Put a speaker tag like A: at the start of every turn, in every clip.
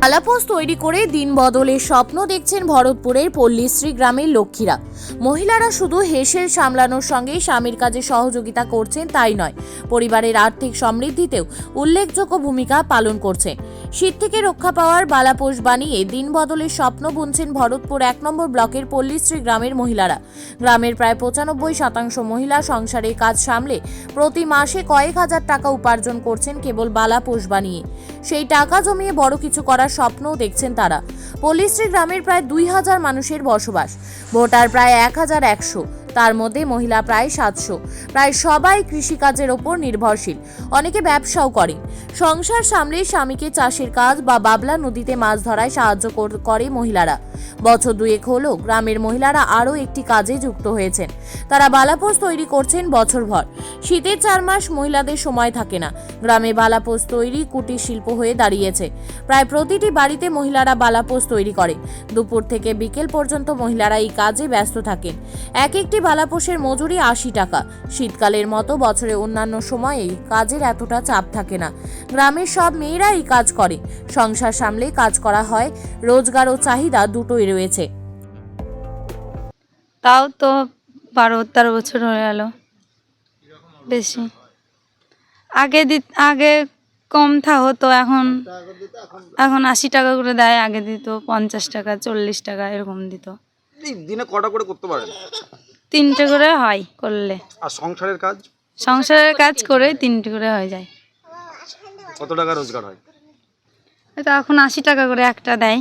A: আলাপোস তৈরি করে দিন বদলের স্বপ্ন দেখছেন ভরতপুরের পল্লীশ্রী গ্রামের লক্ষ্মীরা। মহিলারা শুধু হেসেল সামলানোর সঙ্গে স্বামীর কাজে সহযোগিতা করছেন তাই নয়, পরিবারের আর্থিক সমৃদ্ধিতেও উল্লেখযোগ্য ভূমিকা পালন করছেন। শীত থেকে রক্ষা পাওয়ার বালাপোষ বানিয়ে দিন বদলের স্বপ্ন বুনছেন ভরতপুর ১ নম্বর ব্লকের পল্লীশ্রী গ্রামের মহিলারা। গ্রামের প্রায় ৯৫% মহিলা সংসারের কাজ সামলে প্রতি মাসে কয়েক হাজার টাকা উপার্জন করছেন কেবল বালাপোষ বানিয়ে। সেই টাকা জমিয়ে বড় কিছু করার স্বপ্নও দেখছেন তারা। পল্লীশ্রী গ্রামের প্রায় ২,০০০ মানুষের বসবাস, ভোটার প্রায় ১,১০০, তার মধ্যে মহিলা প্রায় ৭০০। প্রায় সবাই কৃষিকাজের ওপর নির্ভরশীল, অনেকে ব্যবসাও করেন। সংসার সামলে স্বামীকে চাষের কাজ বা বাবলা নদীতে মাছ ধরায় সাহায্য করে মহিলারা। বছর দুয়েক হলো গ্রামের মহিলারা আরও একটি কাজে যুক্ত হয়েছেন। তারা বালাপোষ তৈরি করছেন বছরভর। শীতের ৪ মাস মহিলাদের সময় থাকে না। গ্রামে বালাপোষ তৈরি কুটির শিল্প হয়ে দাঁড়িয়েছে। প্রায় প্রতিটি বাড়িতে মহিলারা বালাপোষ তৈরি করে। দুপুর থেকে বিকেল পর্যন্ত মহিলারা এই কাজে ব্যস্ত থাকেন। এক একটি বালাপোষের মজুরি ৮০ টাকা। শীতকালের মতো বছরে অন্যান্য সময়ে কাজের এতটা চাপ থাকে না। গ্রামের সব মেয়েরা এই কাজ করে। সংসার সামলে কাজ করা হয়, রোজগার ও চাহিদা দুটোই রয়েছে।
B: তাও তো ১২-১৩ বছর হয়ে গেল। বেশি আগে কম হতো, এখন ৮০ টাকা করে দেয়। আগে দিত ৫০ টাকা, ৪০ টাকা এরকম দিত।
C: দিনে কটা করে করতে পারেন?
B: ৩টে করে হয় করলে।
C: আর সংসারের কাজ
B: করে 3টে করে হয়ে যায়।
C: কত টাকা রোজগার হয়?
B: তো এখন ৮০ টাকা করে একটা দেয়।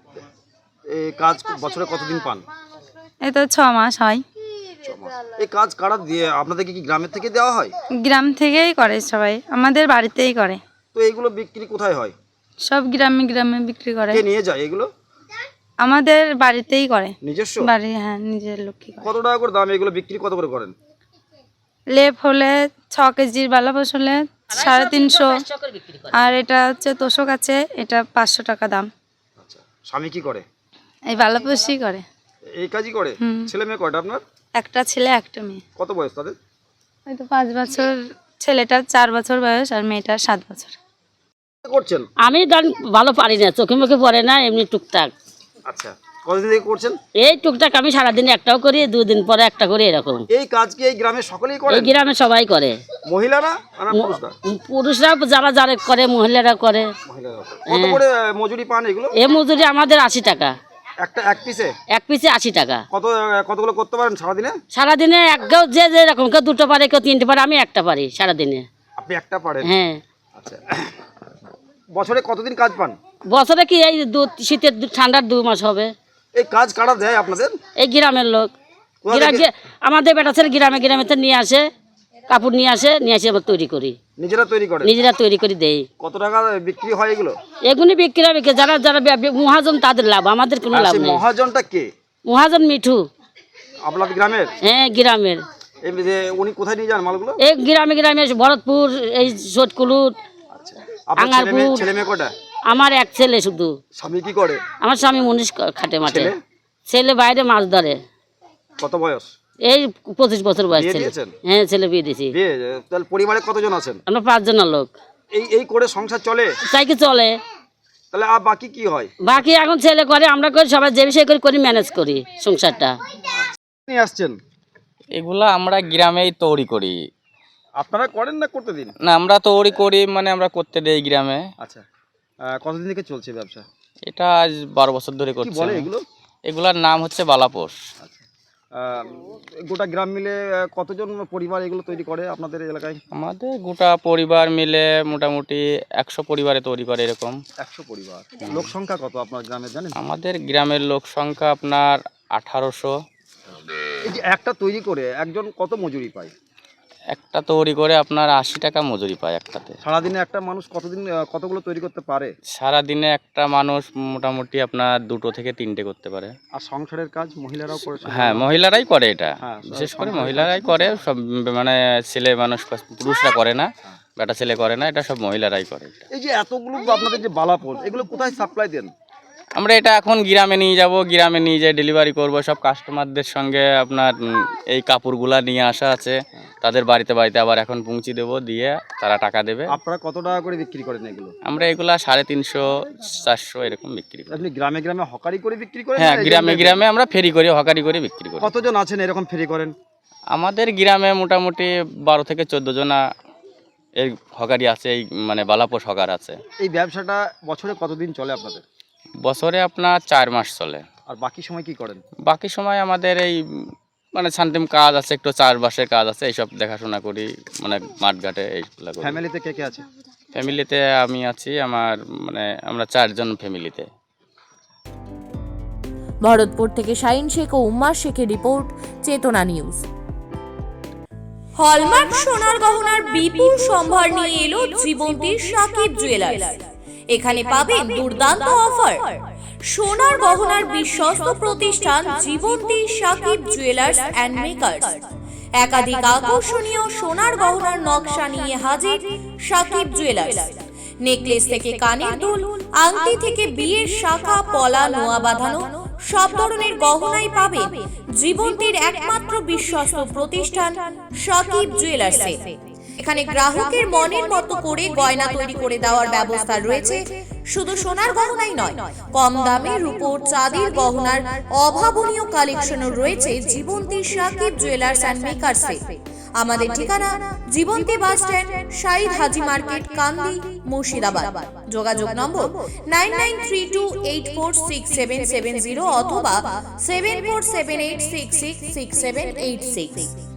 C: এই কাজ বছরে কতদিন পান?
B: এই তো ৬ মাস হয়।
C: 6 মাস। এই কাজ কারা দিয়ে? আপনাদের কি গ্রামের থেকে দেওয়া হয়?
B: গ্রাম থেকেই করে সবাই, আমাদের বাড়িতেই করে।
C: তো এইগুলো বিক্রি কোথায় হয়?
B: সব গ্রামে গ্রামে বিক্রি করে।
C: কে নিয়ে যায় এগুলো?
B: আমাদের বাড়িতেই করে।
C: নিজস্ব
B: বাড়ি, হ্যাঁ, নিজের লক্ষ্মী করে।
C: কত টাকা করে দাম এগুলো বিক্রি কত করে করেন?
B: লেপ হলে ৬ কেজির বালাপোষ হলে ৩৫০, আর এটা হচ্ছে তোষক আছে, এটা ৫০০ টাকা দাম।
C: আচ্ছা, স্বামী কি করে?
B: এই বালাপোষই করে।
C: এই কাজই করে? ছেলে মেয়ে কয়টা আপনার?
B: একটা ছেলে একটা মেয়ে।
C: কত বয়স তাদের?
B: ওই তো ৫ বছর, ছেলেটার ৪ বছর বয়স আর মেয়েটার ৭ বছর।
C: কি করছেন?
D: আমি গান ভালো পারি না, চোখে মুখে পড়ে না, এমনি টুকটাক।
C: আচ্ছা, কতদিন থেকে করছেন?
D: এই টুকটাক আমি সারাদিন একটাও করি, ২ দিন পরে একটা করি, এরকম।
C: এই কাজ কি এই গ্রামে সকলেই করে?
D: এই গ্রামে সবাই করে।
C: মহিলারা না পুরুষরা?
D: পুরুষরা যারা করে, মহিলারা করে।
C: মহিলারা। কত করে মজুরি পান এগুলো?
D: এই মজুরি আমাদের ৮০ টাকা।
C: এক পিসে?
D: এক পিসে ৮০ টাকা।
C: কতগুলো করতে পারেন সারাদিনে?
D: সারাদিনে কেউ যে যেরকম, কেউ 2টো পারে, কেউ 3টে পারে, আমি একটা পারি সারাদিনে।
C: আপনি একটা পারেন?
D: হ্যাঁ।
C: আচ্ছা, বছরে কতদিন কাজ পান?
D: বছরে কি এই শীতের ঠান্ডার 2 মাস হবে।
C: এই কাজ কারা দেয় আপনাদের?
D: এই গ্রামের লোক। আমাদের বেটা ছেলে গ্রামে গ্রামে তো নিয়ে আসে, কাপড় নিয়ে আসে আমরা তৈরি করি।
C: নিজেরা তৈরি করে
D: দেই।
C: কত টাকা বিক্রি হয় এগুলো?
D: এগুলি বিক্রি হবে যারা যারা মহাজন, তাদের লাভ, আমাদের কোনো লাভ নেই।
C: মহাজনটা কে?
D: মহাজন মিঠু।
C: আপনাদের গ্রামের?
D: হ্যাঁ, গ্রামের।
C: এই যে উনি কোথায় নিয়ে যান মালগুলো?
D: এই গ্রামে গ্রামে, ভরতপুর, এই সোটকুলুট, আঙ্গারপুর।
C: ছেলে মেয়ে কটা?
D: আমার এক ছেলে শুধু।
C: স্বামী কি করে?
D: আমার স্বামী মুনিশ খাটে মাঠে। ছেলে বাইরে মাছ ধরে।
C: কত বয়স?
D: এই 25 বছর বয়স ছেলে। হ্যাঁ, ছেলে বিয়ে দিয়েছি।
C: তাহলে পরিবারে কতজন আছেন?
D: আমরা 5 জনের লোক।
C: এই করে সংসার চলে?
D: তাই কি চলে।
C: তাহলে আর বাকি কি হয়?
D: বাকি এখন ছেলে করে, আমরা করি, সবাই যে বিষয় করি ম্যানেজ করি সংসারটা।
C: নিয়ে আসছেন
E: এগুলা আমরা গ্রামেই তৈরি করি।
C: আপনারা করেন না করতে দিন?
E: না, আমরা তৈরি করি, মানে আমরা করতে দেই গ্রামে।
C: আচ্ছা, কতদিন থেকে চলছে ব্যবসা?
E: এটা আজ 12 বছর ধরে করছি।
C: কি বলে এগুলো?
E: এগুলার নাম হচ্ছে বালাপোষ।
C: আচ্ছা, গোটা গ্রাম মিলে কতজন পরিবার এগুলো তৈরি করে আপনাদের এলাকায়?
E: আমাদের গোটা পরিবার মিলে মোটামুটি 100 পরিবারে তৈরি করে এরকম।
C: 100 পরিবার। লোক সংখ্যা কত আপনার গ্রামে জানেন?
E: আমাদের গ্রামের লোক সংখ্যা আপনার 1800।
C: এই যে একটা তৈরি করে একজন কত মজুরি পায়?
E: একটা তৈরি করে আপনার 80 টাকা মজুরি পায় একটাতে।
C: সারাদিনে একটা মানুষ কতগুলো তৈরি করতে পারে?
E: সারাদিনে একটা মানুষ মোটামুটি আপনার 2টো থেকে 3টে করতে পারে।
C: আর সংসারের কাজ মহিলারাও করে?
E: হ্যাঁ, মহিলারাই করে এটা।
C: হ্যাঁ,
E: বিশেষ করে মহিলারাই করে সব, মানে ছেলে মানুষ, পুরুষরা করে না, বেটা ছেলে করে না, এটা সব মহিলারাই করে।
C: এই যে এতগুলো আপনাদের যে বালাপোষ, এগুলো কোথায় সাপ্লাই দেন?
E: আমরা এটা এখন গ্রামে নিয়ে যাব, গ্রামে নিয়ে যেয়ে ডেলিভারি করব। সব কাস্টমারদের সঙ্গে আপনার এই কাপড়গুলা নিয়ে আসা আছে, তাদের বাড়িতে বাড়িতে আবার এখন পৌঁছে দেবো, দিয়ে তারা টাকা দেবে।
C: আপনারা কত টাকা করে বিক্রি করেন এগুলো?
E: আমরা এগুলা 350 400 এরকম বিক্রি করি।
C: আপনি গ্রামে গ্রামে হকারি করে বিক্রি করেন?
E: হ্যাঁ,
C: না এই
E: গ্রামে
C: জন্য-
E: গ্রামে আমরা ফেরি করে, হকারি করে বিক্রি করি।
C: কতজন আছেন এরকম ফেরি করেন?
E: আমাদের গ্রামে মোটামুটি 12 থেকে 14 জনা এই হকারি আছে, এই মানে বালাপোষ হকার আছে।
C: এই ব্যবসাটা বছরে কতদিন চলে আপনাদের?
E: বছরে আপনার 4 মাস চলে।
C: আর বাকি সময় কি করেন?
E: বাকি সময় আমাদের এই মানে শান্তিম কাজ আছে, একটু চাষবাসের কাজ আছে, এইসব দেখাশোনা করি, মানে মাঠঘাটে এইগুলো করি।
C: ফ্যামিলিতে কে কে আছে?
E: ফ্যামিলিতে আমি আছি, আমার মানে আমরা 4 জন ফ্যামিলিতে।
A: ভরতপুর থেকে শাহিন শেখ ও উম্মার শেখের রিপোর্ট, চেতনা নিউজ। হলমার্ক সোনার গহনার বিপুল সম্ভার নিয়ে এলো জীবন্তীর সাকিব জুয়েলার্স। এখানে পাবেন দুর্দান্ত অফার। সোনার গহনার বিশ্বস্ত প্রতিষ্ঠান Jibanti Sakib jewellers and makers. একাধিক আকর্ষণীয় সোনার গহনার নকশা নিয়ে হাজির সাকিব জুয়েলার্স। নেকলেস থেকে কানের দুল, আংটি থেকে বিয়ের শাখা, পলা, নোয়া বাঁধানো সব ধরনের গহনাই পাবেন জীবন্তীর একমাত্র বিশ্বস্ত প্রতিষ্ঠান সাকিব জুয়েলার্সে। এখানে গ্রাহকের মনের মতো করে গয়না তৈরি করে দেওয়ার ব্যবস্থা রয়েছে। শুধু সোনার গহনাই নয়, কম দামে রূপোর, চাঁদির গহনার অভাবনীয় কালেকশনও রয়েছে জীবন্তী সাকিব জুয়েলার্স অ্যান্ড মেকার্সে। আমাদের ঠিকানা Jibanti bus stand, Shahid Haji market, Kandi, Murshidabad. যোগাযোগ নম্বর 9932846770 অথবা 7478666786।